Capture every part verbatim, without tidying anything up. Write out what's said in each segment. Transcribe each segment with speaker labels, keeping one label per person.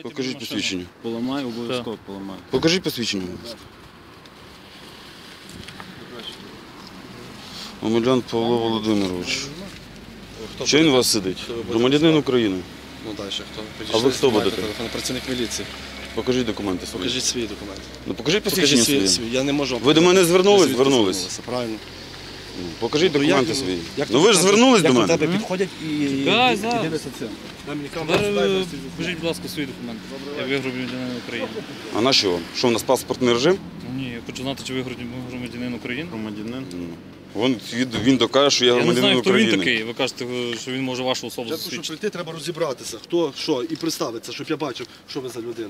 Speaker 1: Покажіть посвідчення.
Speaker 2: Поламай, обов'язково поламай.
Speaker 1: Покажіть посвідчення. Омелян Павло Володимирович. Що він у вас сидить? Громадянин України.
Speaker 3: Ну далі, хто?
Speaker 1: А ви хто будете?
Speaker 3: Телефон, працівник міліції.
Speaker 1: Покажіть документи свої.
Speaker 3: Покажіть свої документи.
Speaker 1: Ну покажіть посвідчення
Speaker 3: Покажіть свої,
Speaker 1: свої.
Speaker 3: свої. Я не можу.
Speaker 1: Ви до мене звернулись?
Speaker 3: Ви
Speaker 1: Звернулись.
Speaker 3: Правильно.
Speaker 1: Покажіть
Speaker 3: Ну,
Speaker 1: документи
Speaker 3: як-
Speaker 1: свої.
Speaker 3: як
Speaker 1: Ну ви ж звернулись до
Speaker 3: Як до
Speaker 1: мене?
Speaker 3: тебе підходять і
Speaker 2: Так,
Speaker 3: і
Speaker 2: зараз.
Speaker 3: дивляться це.
Speaker 2: Зараз покажіть, будь ласка, свої документи. Я ви громадянин України.
Speaker 1: А на що вам? Що у нас паспортний режим?
Speaker 2: Ні, я хочу знати, чи ви громадянин України. Громадянин.
Speaker 1: Вон він, він докаже, що я
Speaker 2: Я не
Speaker 1: громадянин
Speaker 2: знаю, хто він
Speaker 1: України.
Speaker 2: такий. Ви кажете, що він може вашу особу
Speaker 4: Спочатку, щоб
Speaker 2: засвідчити.
Speaker 4: прийти, треба розібратися, хто, що, і представитися, щоб я бачив, що ви за людина.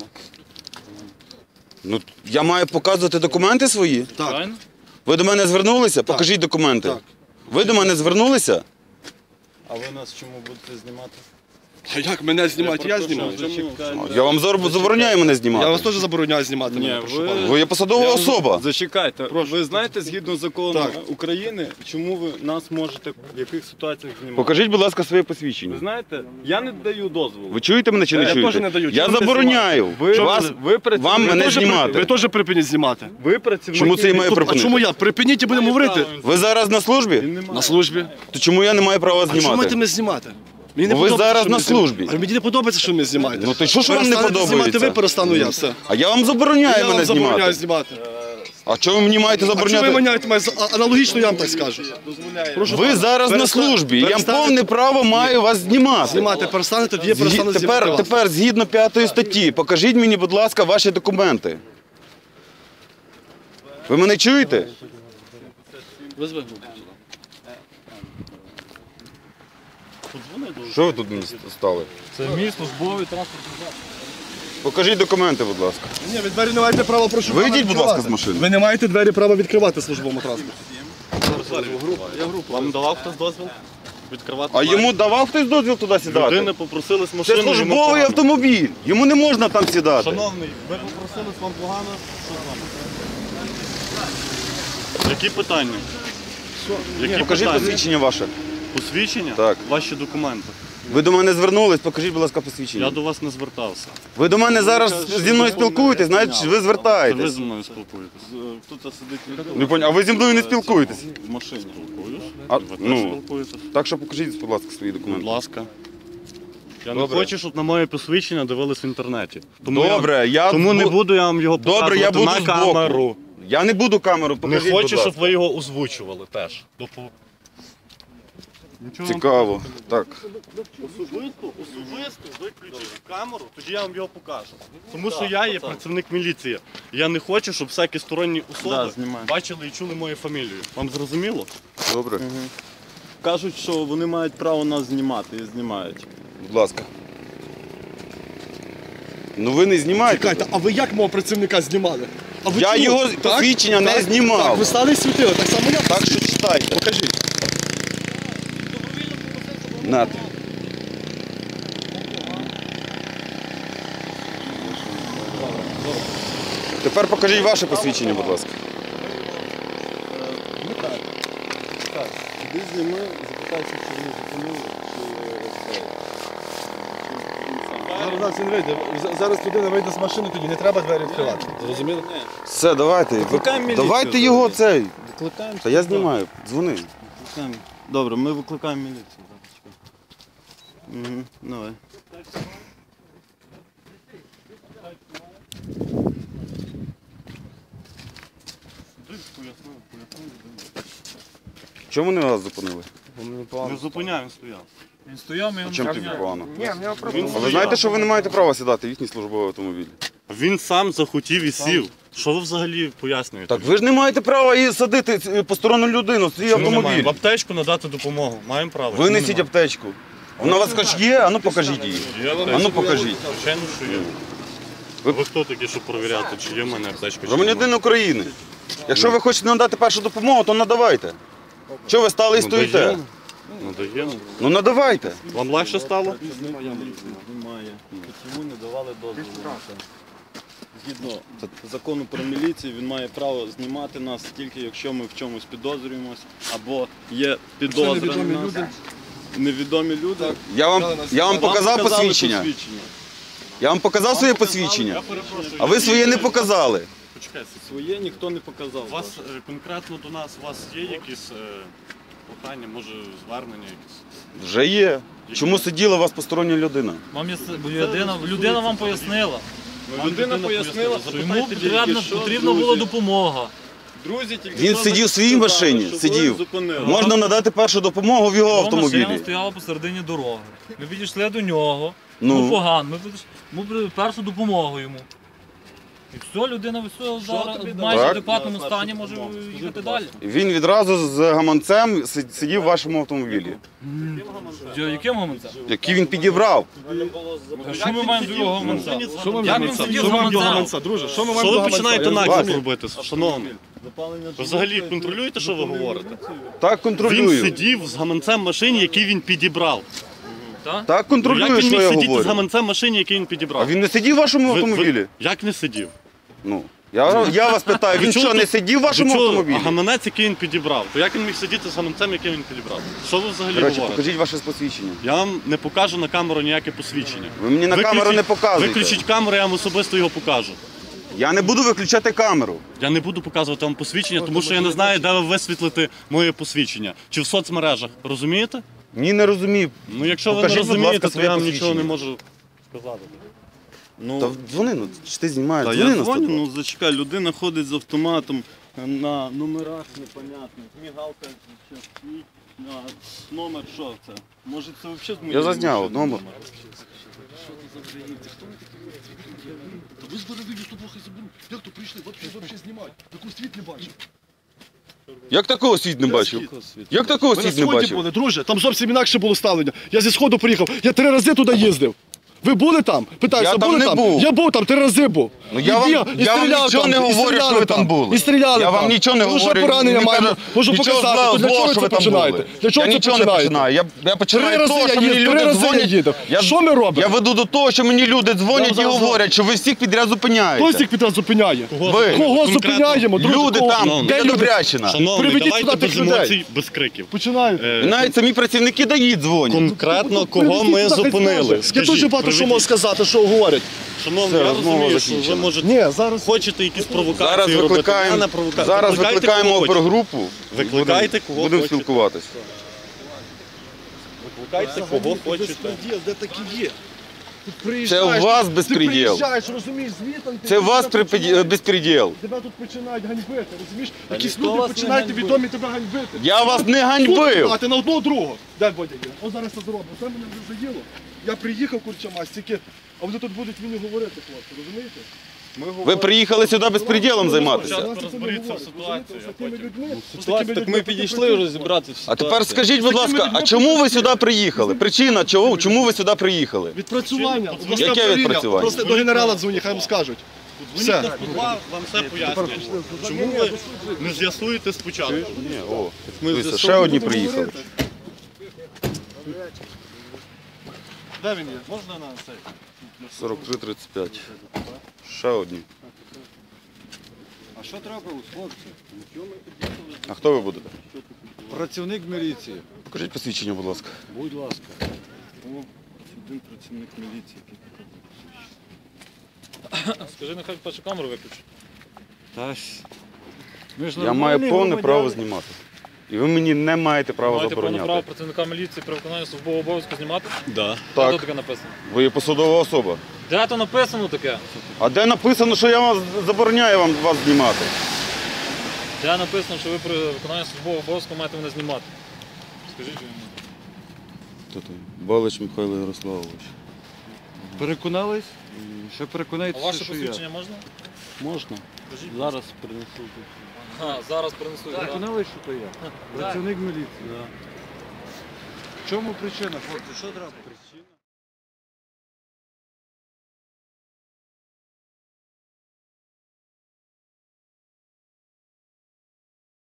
Speaker 1: Ну я маю показувати документи свої?
Speaker 4: Так,
Speaker 2: Правильно?
Speaker 1: Ви до мене звернулися? Покажіть документи.
Speaker 4: так.
Speaker 1: Ви до мене звернулися?
Speaker 5: А ви нас чому будете знімати?
Speaker 4: А як мене знімати? Я знімаю.
Speaker 1: Я вам зар- забороняю мене знімати.
Speaker 4: Я вас теж забороняю знімати
Speaker 5: Ні,
Speaker 4: мене, прошу
Speaker 5: ви-
Speaker 4: пана.
Speaker 1: Ви є посадова
Speaker 5: Я-
Speaker 1: особа.
Speaker 5: Зачекайте, ви знаєте, згідно закону
Speaker 4: Так.
Speaker 5: України, чому ви нас можете в яких ситуаціях знімати?
Speaker 1: Покажіть, будь ласка, своє
Speaker 5: Ви
Speaker 1: посвідчення.
Speaker 5: знаєте, я не даю дозволу.
Speaker 1: Ви чуєте мене чи не
Speaker 4: Я
Speaker 1: чуєте?
Speaker 4: теж не даю.
Speaker 1: Я
Speaker 4: Чому ти
Speaker 1: забороняю.
Speaker 5: Ви,
Speaker 1: Вас,
Speaker 5: ви, працівник-
Speaker 1: вам
Speaker 5: ви
Speaker 1: мене
Speaker 5: теж
Speaker 1: знімати.
Speaker 4: Ви теж припиніть знімати.
Speaker 5: Ви працівник.
Speaker 1: Чому це і має
Speaker 4: А
Speaker 1: припинити?
Speaker 4: чому я? Припиніть і будемо говорити.
Speaker 1: Ви зараз на службі?
Speaker 5: Він не має.
Speaker 4: На службі.
Speaker 1: То чому я не маю права
Speaker 4: А чому
Speaker 1: знімати?
Speaker 4: маєте мене знімати? Мені не
Speaker 1: Бо ви
Speaker 4: подобається,
Speaker 1: зараз
Speaker 4: що
Speaker 1: на
Speaker 4: мене знімаєте.
Speaker 1: службі.
Speaker 4: А мені не подобається, що ви мене знімаєте.
Speaker 1: Ну то що ж вам не
Speaker 4: Перестанете знімати
Speaker 1: подобається?
Speaker 4: ви, перестану я, все.
Speaker 1: А я вам забороняю
Speaker 4: Я
Speaker 1: мене
Speaker 4: вам забороняю
Speaker 1: знімати.
Speaker 4: знімати.
Speaker 1: А чого ви мені маєте
Speaker 4: А чому ви
Speaker 1: забороняти?
Speaker 4: маняєте мене? А- Аналогічно я вам так скажу. Прошу
Speaker 1: Ви
Speaker 4: пана,
Speaker 1: зараз на
Speaker 4: перестань-
Speaker 1: службі. Я
Speaker 4: перестанете
Speaker 1: повне право маю вас знімати.
Speaker 4: Знімати перестанете, тоді я
Speaker 1: Згі-
Speaker 4: перестану знімати
Speaker 1: Тепер,
Speaker 4: вас.
Speaker 1: тепер, згідно п'ятої статті, покажіть мені, будь ласка, ваші документи. Ви мене чуєте?
Speaker 4: Визви групу.
Speaker 1: Що ви тут мені стали?
Speaker 2: Це мій службовий транспортний засіб.
Speaker 1: Покажіть документи, будь ласка.
Speaker 4: Ні, ви двері не маєте права, прошу пана,
Speaker 1: Вийдіть, будь ласка,
Speaker 4: відкривати.
Speaker 1: з машини.
Speaker 4: Ви не маєте двері права відкривати в службовому транспорті.
Speaker 5: Вам давав хтось дозвіл відкривати?
Speaker 1: А йому давав хтось дозвіл туди сідати?
Speaker 5: Людина попросили з
Speaker 1: Це
Speaker 5: машини. йому
Speaker 1: службовий
Speaker 5: погано.
Speaker 1: автомобіль. Йому не можна там сідати.
Speaker 5: Шановний, ви попросили, вам погано? Що з вами? Які питання? Які
Speaker 1: Покажіть
Speaker 5: питання?
Speaker 1: посвідчення ваше.
Speaker 5: Посвідчення?
Speaker 1: Так.
Speaker 5: Ваші документи.
Speaker 1: Ви до мене звернулись, покажіть, будь ласка, посвідчення.
Speaker 5: Я до вас не звертався.
Speaker 1: Ви до мене зараз зі мною спілкуєтесь, знаєте, ви
Speaker 5: Це ви
Speaker 1: звертаєтесь.
Speaker 5: зі мною спілкуєтесь. Тут сидить
Speaker 1: Не понял. А ви зі мною не спілкуєтесь?
Speaker 5: в машині спілкуюсь.
Speaker 1: А,
Speaker 5: Ви теж
Speaker 1: ну,
Speaker 5: спілкуєтесь.
Speaker 1: так що покажіть, будь ласка, свої
Speaker 5: Будь
Speaker 1: документи.
Speaker 5: ласка. Я
Speaker 1: Добре.
Speaker 5: не хочу, щоб на моє посвідчення дивились в інтернеті. Тому
Speaker 1: Добре,
Speaker 5: я,
Speaker 1: я
Speaker 5: тому не
Speaker 1: бу-
Speaker 5: буду я вам його
Speaker 1: Добре, я
Speaker 5: показувати
Speaker 1: буду
Speaker 5: на
Speaker 1: збоку.
Speaker 5: камеру.
Speaker 1: Я не буду камеру,
Speaker 5: Не
Speaker 1: покажіть,
Speaker 5: хочу,
Speaker 1: будь ласка.
Speaker 5: щоб ви його озвучували теж. Допу- Нічого вам
Speaker 1: Цікаво. Так.
Speaker 5: Особисто, особисто виключіть камеру, тоді я вам його покажу. Тому що я є працівник міліції. Я не хочу, щоб всякі сторонні особи бачили і чули мою фамілію. Вам зрозуміло?
Speaker 1: Добре.
Speaker 5: Кажуть, що вони мають право нас знімати і знімають.
Speaker 1: Будь ласка. Ну ви не знімаєте.
Speaker 4: Чекайте, а ви як мого працівника знімали? А ви
Speaker 1: Я
Speaker 4: чому?
Speaker 1: його
Speaker 4: Так?
Speaker 1: посвідчення не
Speaker 4: Так?
Speaker 1: знімав.
Speaker 4: Так, ви стали і світили, так само я.
Speaker 1: Так що читайте.
Speaker 4: Покажіть.
Speaker 1: Нате. Тепер покажіть ваше посвідчення, будь ласка.
Speaker 5: Іди зніми, запитайся, чи вони зупинили, чи
Speaker 4: Зараз нас він вийде. З- Зараз людина вийде з машини, тоді не треба двері відкривати. Зрозуміли?
Speaker 1: Все, давайте.
Speaker 5: Викликаємо міліцію
Speaker 1: Давайте
Speaker 5: зараз.
Speaker 1: його цей.
Speaker 5: Викликаємо?
Speaker 1: Та я знімаю. Дзвони.
Speaker 5: Викликаємо. Добре, ми викликаємо міліцію. Угу, давай.
Speaker 1: Чому вони вас зупинили?
Speaker 5: Не зупиняй, він стояв.
Speaker 2: Він стояв, ми його
Speaker 1: Чим
Speaker 2: не
Speaker 1: тобі
Speaker 2: зняли.
Speaker 1: погано?
Speaker 5: Він
Speaker 1: А ви
Speaker 5: стояв.
Speaker 1: знаєте, що ви не маєте права сідати в їхній службовий автомобіль?
Speaker 5: Він сам захотів і сів. Що ви взагалі пояснюєте?
Speaker 1: Так ви ж не маєте права і садити е, посторонню людину в свій
Speaker 5: Чому не маємо?
Speaker 1: автомобіль.
Speaker 5: В аптечку надати допомогу. Маємо право.
Speaker 1: Ви
Speaker 5: Чому
Speaker 1: несіть
Speaker 5: немає?
Speaker 1: аптечку. Вона у вас хоч є, а ну покажіть її.
Speaker 5: Є
Speaker 1: А
Speaker 5: аптечка?
Speaker 1: ну покажіть.
Speaker 5: Звичайно, що є.
Speaker 1: Ви-
Speaker 5: Ви хто такі, щоб перевіряти, чи є в мене аптечка, чи
Speaker 1: Громадянин
Speaker 5: немає?
Speaker 1: України. Якщо ви хочете надати першу допомогу, то надавайте. Чого ви стали і стоїте?
Speaker 5: Надаємо. Надаємо.
Speaker 1: Ну надавайте.
Speaker 5: Вам легше стало?
Speaker 2: Немає. Чому не давали дозволу? Згідно закону про міліцію, він має право знімати нас тільки якщо ми в чомусь підозрюємось, або є підозра
Speaker 4: невідомі
Speaker 2: на нас.
Speaker 4: люди.
Speaker 2: Невідомі люди.
Speaker 1: Я вам, я вам
Speaker 2: Вам
Speaker 1: показав
Speaker 2: показали
Speaker 1: посвідчення. Я вам показав своє посвідчення,
Speaker 5: Я перепрошую.
Speaker 1: а ви своє не показали.
Speaker 5: Почекайте.
Speaker 2: Своє ніхто не показав.
Speaker 5: У вас е, конкретно до нас, у вас є якісь е, прохання, може звернення якісь?
Speaker 1: Вже є. Чому сиділа у вас постороння людина?
Speaker 6: Вам є бо людина, людина вам пояснила,
Speaker 5: Вам
Speaker 2: Людина пояснила,
Speaker 6: що йому
Speaker 2: запитайте
Speaker 6: потрібна,
Speaker 2: тільки що,
Speaker 6: потрібна
Speaker 2: друзі.
Speaker 6: була допомога.
Speaker 2: Друзі, тільки
Speaker 1: Він
Speaker 2: що
Speaker 1: сидів в своїй
Speaker 2: сказали,
Speaker 1: машині,
Speaker 2: що ви
Speaker 1: сидів.
Speaker 2: зупинили.
Speaker 1: Можна надати першу допомогу в його
Speaker 6: Його машина
Speaker 1: автомобілі.
Speaker 6: стояла посередині дороги. Ми підійшли до нього, ну,
Speaker 1: Ну,
Speaker 6: погано, ми підійшли, ми при- першу допомогу йому. І все, людина все зараз
Speaker 2: тобі
Speaker 6: в
Speaker 2: дали?
Speaker 6: майже
Speaker 1: Так.
Speaker 6: адекватному
Speaker 2: На
Speaker 6: стані
Speaker 2: першу
Speaker 6: може
Speaker 2: допомогу? Скажіть,
Speaker 6: їхати
Speaker 2: будь
Speaker 6: далі.
Speaker 1: він відразу з гаманцем си- сидів в вашому автомобілі,
Speaker 6: Що, яким гаманцем?
Speaker 1: який він підібрав.
Speaker 6: Що ми маємо до його гаманця?
Speaker 4: Що ми
Speaker 6: Як він
Speaker 4: гаманця?
Speaker 6: сидів
Speaker 4: Що
Speaker 6: з
Speaker 4: ми маємо до
Speaker 6: гаманцем?
Speaker 4: гаманця, друже? Що ми
Speaker 5: Що
Speaker 4: маємо
Speaker 5: ви
Speaker 4: до гаманця?
Speaker 5: починаєте
Speaker 4: Я
Speaker 5: наклеп
Speaker 1: бачу.
Speaker 5: робити, шановний? Ви взагалі контролюєте, що ви говорите?
Speaker 1: Так
Speaker 5: Він
Speaker 1: контролюю.
Speaker 5: сидів з гаманцем в машині, який він підібрав.
Speaker 6: Так?
Speaker 1: Так
Speaker 5: Як
Speaker 1: контролюю,
Speaker 5: він
Speaker 1: що
Speaker 5: міг
Speaker 1: я
Speaker 5: сидіти з
Speaker 1: говорю.
Speaker 5: гаманцем в машині, який він підібрав?
Speaker 1: А він не сидів в вашому
Speaker 5: Ви- ви-
Speaker 1: автомобілі?
Speaker 5: Як не сидів?
Speaker 1: Ну, я, я вас питаю, він
Speaker 5: До чого
Speaker 1: що, не
Speaker 5: тут-
Speaker 1: сидів в вашому
Speaker 5: до чого
Speaker 1: автомобілі?
Speaker 5: Гаманець, який він підібрав. То як він міг сидіти з гаманцем, який він підібрав? Що ви взагалі
Speaker 1: Коротше,
Speaker 5: говорите?
Speaker 1: покажіть ваше посвідчення.
Speaker 5: Я вам не покажу на камеру ніяке посвідчення.
Speaker 1: Ви мені на
Speaker 5: Виключіть-
Speaker 1: камеру не показуєте.
Speaker 5: Виключіть камеру, я вам особисто його покажу.
Speaker 1: Я не буду виключати камеру.
Speaker 5: Я не буду показувати вам посвідчення, тому що я не знаю, де ви висвітлите моє посвідчення. Чи в соцмережах. Розумієте?
Speaker 1: Ні, не розумію.
Speaker 5: Ну якщо
Speaker 1: Покажіть,
Speaker 5: ви не
Speaker 1: будь ласка,
Speaker 5: розумієте, то
Speaker 1: своє
Speaker 5: я вам нічого не
Speaker 1: посвідчення.
Speaker 5: можу сказати. Ну,
Speaker 1: Та дзвони, ну чи ти знімаєш?
Speaker 2: Та
Speaker 1: Дзвони
Speaker 2: я
Speaker 1: на
Speaker 2: дзвоню,
Speaker 1: сто два.
Speaker 2: ну зачекай, людина ходить з автоматом на номерах непонятних, мігалка ще свій, на номер що це? Може це взагалі з моєї
Speaker 1: Я зазняв
Speaker 2: машини
Speaker 1: номер.
Speaker 7: Та ви з мене вийдете, що трохи заберу. Як то прийшли? Вообще, вообще знімають. Таку світ не бачив.
Speaker 1: Як такого світ не бачив? Як такого
Speaker 7: Ми на
Speaker 1: світ не
Speaker 7: сході
Speaker 1: бачив?
Speaker 7: були, друже, там зовсім інакше було ставлення. Я зі сходу приїхав, я три рази туди їздив. Ви були там? Питаюся,
Speaker 1: Я там
Speaker 7: були
Speaker 1: не
Speaker 7: там?
Speaker 1: був.
Speaker 7: Я був там, три рази був.
Speaker 1: Ну, я
Speaker 7: І
Speaker 1: вам-
Speaker 7: біг, і
Speaker 1: я вам
Speaker 7: стріляв
Speaker 1: нічого
Speaker 7: там,
Speaker 1: не
Speaker 7: і
Speaker 1: говорю,
Speaker 7: стріляли
Speaker 1: що ви там були.
Speaker 7: І стріляли
Speaker 1: Я
Speaker 7: там.
Speaker 1: вам нічого не
Speaker 7: Тому що
Speaker 1: говорю.
Speaker 7: поранення
Speaker 1: Не
Speaker 7: маємо.
Speaker 1: кажу,
Speaker 7: Можу
Speaker 1: нічого
Speaker 7: показати.
Speaker 1: злого,
Speaker 7: Для чого
Speaker 1: злого,
Speaker 7: ви
Speaker 1: що
Speaker 7: це
Speaker 1: ви там
Speaker 7: починаєте?
Speaker 1: були.
Speaker 7: Для чого
Speaker 1: Я
Speaker 7: це
Speaker 1: нічого не
Speaker 7: починаєте?
Speaker 1: починаю. Я, я
Speaker 7: Три
Speaker 1: починаю з
Speaker 7: рази
Speaker 1: того,
Speaker 7: я
Speaker 1: що мені
Speaker 7: їздив, три
Speaker 1: люди
Speaker 7: рази я
Speaker 1: дзвонять.
Speaker 7: їду.
Speaker 1: Я-
Speaker 7: Що ми робимо?
Speaker 1: Я веду до того, що мені люди дзвонять і
Speaker 7: Зараз, зараз.
Speaker 1: говорять, що ви всіх підряд
Speaker 7: Хто
Speaker 1: зупиняєте.
Speaker 7: цих підраз зупиняє?
Speaker 1: Ви.
Speaker 7: Кого
Speaker 5: Конкретно.
Speaker 7: зупиняємо? Друже,
Speaker 1: Люди
Speaker 7: кого?
Speaker 1: там,
Speaker 7: Де
Speaker 1: де
Speaker 7: люди?
Speaker 1: Добрячина.
Speaker 5: Шановний,
Speaker 7: Приведіть
Speaker 5: давайте
Speaker 7: сюди
Speaker 5: без
Speaker 7: тих людей.
Speaker 5: емоцій, без криків.
Speaker 7: Починають.
Speaker 5: Е,
Speaker 1: І навіть самі працівники дають дзвонять.
Speaker 5: Конкретно кого
Speaker 7: Приведіть
Speaker 5: ми
Speaker 7: сюди, хай
Speaker 5: зупинили?
Speaker 7: скаже. Я
Speaker 5: Скажіть,
Speaker 7: дуже багато що
Speaker 5: приведіть.
Speaker 7: можу сказати, що говорять.
Speaker 5: Шановний,
Speaker 1: Все,
Speaker 5: я
Speaker 1: розмова
Speaker 5: розумію, що ви
Speaker 1: закінчена.
Speaker 5: можете
Speaker 7: Ні, зараз
Speaker 5: хочете якісь провокації
Speaker 1: Зараз
Speaker 5: робити.
Speaker 1: викликаємо,
Speaker 5: Я не провока-
Speaker 1: зараз
Speaker 5: Викликайте,
Speaker 1: викликаємо
Speaker 5: кого хочете.
Speaker 1: опергрупу.
Speaker 5: Викликайте,
Speaker 1: Будемо-
Speaker 5: кого
Speaker 1: Будемо
Speaker 5: хочете.
Speaker 1: спілкуватися.
Speaker 5: Викликайте, кого хочете.
Speaker 7: Безпреділ, де такі є? Тут
Speaker 1: Це
Speaker 7: приїжджаєш,
Speaker 1: у вас
Speaker 7: ти
Speaker 1: безпреділ.
Speaker 7: приїжджаєш, розумієш, звітом. ти
Speaker 1: Це у вас
Speaker 7: тебе починають-
Speaker 1: безпреділ.
Speaker 7: Тебе тут починають ганьбити, розумієш? Якісь
Speaker 2: ніхто
Speaker 7: люди
Speaker 2: вас не
Speaker 7: починають
Speaker 2: ганьбить.
Speaker 7: відомі тебе ганьбити.
Speaker 1: Я вас не
Speaker 7: Тут
Speaker 1: ганьбив.
Speaker 7: А ти на одного другого. Дай Бодя є. О, зараз це зроблю. Це мене вже заїло. Я приїхав, курча стільки, а вони тут будуть мені говорити, хлопці, розумієте?
Speaker 1: Ви приїхали сюди безпреділом займатися.
Speaker 7: Зараз це
Speaker 5: розберіться в
Speaker 7: не
Speaker 5: ситуації,
Speaker 7: говорять,
Speaker 5: а
Speaker 7: розумієте? З такими
Speaker 5: потім-
Speaker 7: людьми, з
Speaker 2: Ситуація,
Speaker 7: такими
Speaker 2: так
Speaker 7: людьми
Speaker 2: ми підійшли
Speaker 7: потрібно-
Speaker 2: розібратися. в
Speaker 1: А тепер
Speaker 2: ситуації.
Speaker 1: скажіть, будь ласка, а чому ви сюди приїхали? Причина, чого, чому ви сюди приїхали?
Speaker 7: Відпрацювання. обласне
Speaker 1: Яке
Speaker 7: управління.
Speaker 1: відпрацювання?
Speaker 7: Просто до генерала дзвоні, хай вам скажуть.
Speaker 5: Дзвоніть
Speaker 7: Все.
Speaker 5: на сто два, вам все пояснять. Чому ви не з'ясуєте спочатку?
Speaker 1: Ні, о,
Speaker 2: Ми
Speaker 1: дивіться, ще
Speaker 2: з'ясовуємо.
Speaker 1: одні приїхали.
Speaker 7: Де він є? Можна на цей?
Speaker 1: сорок три тридцять п'ять. Ще одні.
Speaker 2: А що трапилось, хлопці?
Speaker 1: А хто ви будете?
Speaker 2: Працівник міліції.
Speaker 1: Покажіть посвідчення, будь ласка.
Speaker 2: Будь ласка. О, один працівник міліції. який тут.
Speaker 6: Скажи, нехай першу камеру виключить.
Speaker 2: Та ж. Ми ж
Speaker 1: Я
Speaker 2: нормальні
Speaker 1: маю повне
Speaker 2: громадяни.
Speaker 1: право знімати. І ви мені не маєте права
Speaker 6: Маєте повне право
Speaker 1: забороняти.
Speaker 6: працівника міліції при виконанні службового обов'язку знімати?
Speaker 5: Да.
Speaker 6: Де
Speaker 1: Так,
Speaker 6: тут таке написано?
Speaker 1: ви є посадова особа.
Speaker 6: Де то написано таке?
Speaker 1: А де написано, що я вас забороняю вам вас знімати?
Speaker 6: Де написано, що ви при виконанні службового обов'язку маєте мене знімати? Скажіть мені.
Speaker 1: Хто там? Балич Михайло Ярославович.
Speaker 2: Переконались? Ще
Speaker 6: А
Speaker 2: переконайтеся,
Speaker 6: ваше
Speaker 2: що я.
Speaker 6: посвідчення можна?
Speaker 2: Можна.
Speaker 6: Скажіть.
Speaker 2: Зараз принесу.
Speaker 6: А, зараз принесу. так?
Speaker 2: Переконались, що то я? Працівник міліції. В чому причина, хлопці? Що треба? Причина?